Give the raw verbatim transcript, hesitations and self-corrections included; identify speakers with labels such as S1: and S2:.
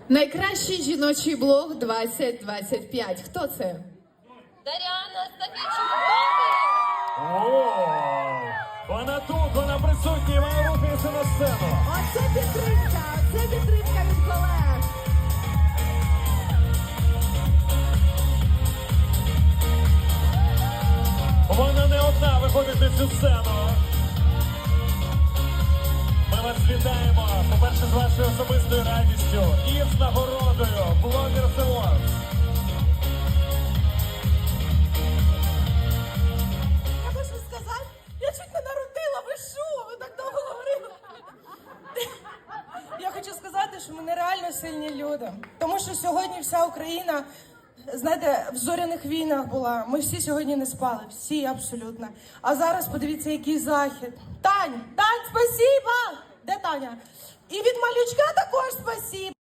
S1: Найкращий жіночий блог двадцять двадцять п'ять. Хто це?
S2: Дар'яна Стафійчук.
S3: О, вона тут, вона присутня, вона рухається на сцену.
S4: Оце підтримка, оце підтримка від колег.
S3: Вона не одна виходить на цю сцену. Ми вас вітаємо, по-перше, з вашою особистою радістю і з нагородою Bloggers Awards.
S4: Я хочу сказати, я чуть не народила, ви що? Ви так довго говорили. Я хочу сказати, що ми нереально сильні люди. Тому що сьогодні вся Україна, знаєте, в зоряних війнах була. Ми всі сьогодні не спали, всі абсолютно. А зараз подивіться, який захід. Тань, Тань, спасибо! Де Таня? І від малючка також спасибо.